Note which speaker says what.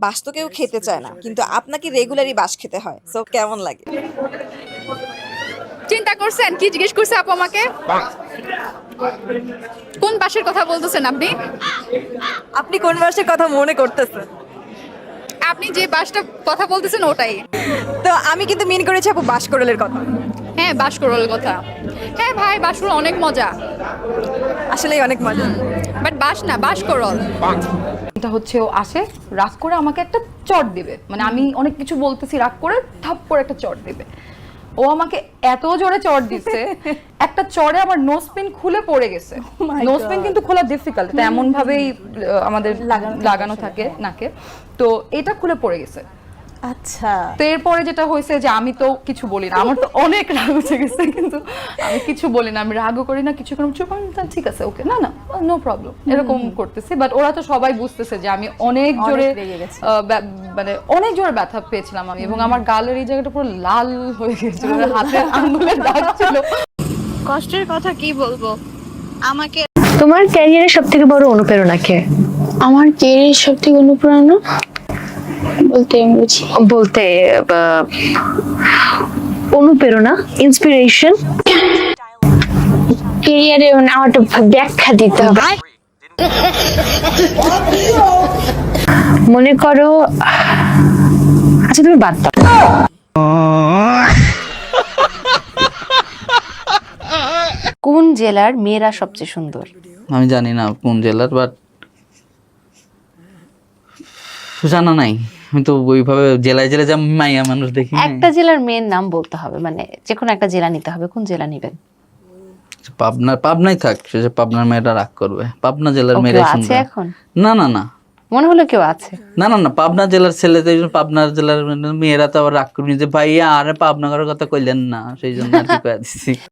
Speaker 1: বাস তো কেউ খেতে চায় না, কিন্তু আপনাকে রেগুলারই বাস খেতে হয়, সো কেমন লাগে?
Speaker 2: চিন্তা করছেন কি জিজ্ঞেস করছে আপু আমাকে? কোন বাসের কথা বলতেছেন আপনি?
Speaker 1: আপনি কোন বাসের কথা মনে করতেছেন?
Speaker 2: আপনি যে বাসটা কথা বলতেছেন ওটাই।
Speaker 1: তো আমি কিন্তু মিন করেছি আপু বাসকরলের কথা।
Speaker 2: হ্যাঁ, বাসকরলের কথা। হ্যাঁ ভাই, বাসকরল অনেক মজা,
Speaker 1: আসলেই অনেক মজা।
Speaker 2: বাট বাস না, বাসকরল।
Speaker 3: এটা হচ্ছে ও আসে রাগ করে আমাকে একটা চট দিবে, মানে আমি অনেক কিছু বলতেছি রাগ করে ঠাপ করে একটা চট দিবে। ও আমাকে এত জোরে চট দিচ্ছে, একটা চড়ে আমার নোজ পিন খুলে পড়ে গেছে। নোজ পিন কিন্তু খোলা ডিফিকাল্ট, এটা এমন ভাবেই আমাদের লাগানো থাকে নাকে, তো এটা খুলে পড়ে গেছে।
Speaker 1: আচ্ছা,
Speaker 3: তো এরপরে যেটা হয়েছে যে আমি তো কিছু বলি না, আমার তো অনেক রাগ উঠে গেছে, কিন্তু আমি কিছু বলি না, আমি রাগও করি না, কিছু করি না, চুপ, আমি বললাম, ঠিক আছে ওকে, না না নো প্রবলেম, এরকম করতেছি। বাট ওরা তো সবাই বুঝতেছে যে আমি অনেক জোরে মানে অনেক জোরে ব্যথা পেয়েছিলাম আমি, এবং আমার গালের এই জায়গাটা পুরো লাল হয়ে গেছিল, হাতের আঙ্গুলের দাগ ছিল।
Speaker 4: কষ্টের কথা কি বলবো আমাকে।
Speaker 5: তোমার ক্যারিয়ারের সব থেকে বড় অনুপ্রেরণা কে?
Speaker 4: আমার কেরিয়ার সব থেকে অনুপ্রেরণা বলতে আমি বুঝি
Speaker 5: বলতে অনুপ্রেরণা, ইন্সপিরেশন।
Speaker 4: কেরিয়ারে মানে আমার একটু ব্যাখ্যা দিতে হবে।
Speaker 5: মনে করো, আচ্ছা তুমি বাদ দাও। কোন জেলার মেয়েরা সবচেয়ে সুন্দর?
Speaker 6: আমি জানি না কোন জেলার, বাট জানা নাই। আমি তো ওইভাবে জেলায় জেলায় যা মাইয়া মানুষ দেখি নাই।
Speaker 5: একটা জেলার মেয়ের নাম বলতে হবে, মানে যে কোনো একটা জেলা নিতে হবে, কোন জেলা নিবেন?
Speaker 6: পাবনাই থাক, সে যে পাবনার মেয়েটা রাগ করবে। পাবনা জেলার মেয়েরা
Speaker 5: আছে
Speaker 6: সুন্দর।
Speaker 5: এখন?
Speaker 6: না না না,
Speaker 5: মনে হলো কেউ আছে।
Speaker 6: না না না, পাবনা জেলার ছেলে, পাবনা জেলার মেয়েরা তো আবার রাগ করবি যে ভাইয়া আরে পাবনা করার কথা কইলেন না, সেই জন্য আর কি কয়ে দিচ্ছি।